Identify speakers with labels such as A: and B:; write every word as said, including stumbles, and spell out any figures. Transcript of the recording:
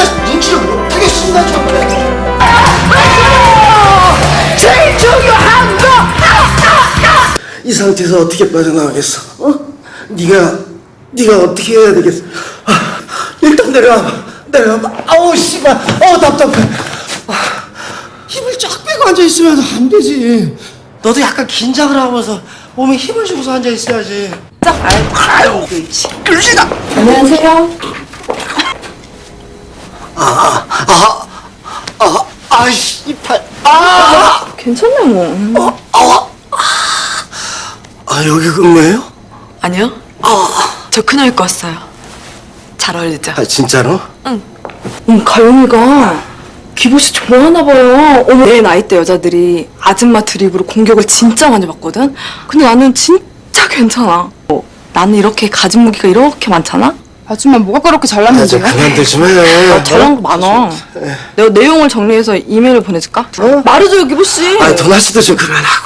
A: 내가 눈치를 못 보겠습니다, 정말.
B: 제일 중요한 거!
A: 이 상태에서 어떻게 빠져나가겠어? 어? 네가 네가 어떻게 해야 되겠어? 아, 일단 내려와봐. 내려와봐. 아우 씨발. 아우 답답해. 아, 힘을 쫙 빼고 앉아 있으면 안 되지. 너도 약간 긴장을 하면서 몸에 힘을 주고서 앉아 있어야지.
B: 짝!
A: 아유, 그렇지. 그러지다.
B: 안녕하세요.
A: 아, 아, 아, 아이씨, 이 팔. 아,
B: 괜찮네 뭐.
A: 어, 아, 아, 여기 근무해요?
C: 아니요. 저 그냥 입고 왔어요. 잘 어울리죠?
A: 아, 진짜로?
B: 음, 가영이가 기보씨 좋아하나 봐요. 어머, 내 나이 때 여자들이 아줌마 드립으로 공격을 진짜 많이 받거든? 근데 나는 진짜 괜찮아. 어, 나는 이렇게 가진 무기가 이렇게 많잖아?
D: 아줌마 뭐가 그렇게
A: 아,
D: 잘났는데?
A: 저 그만들 좀 해.
B: 아, 잘한 거 많아. 내가 내용을 정리해서 이메일을 보내줄까?
A: 어?
B: 말해줘요, 기보씨.
A: 아, 도나 씨도 좀 그만하고.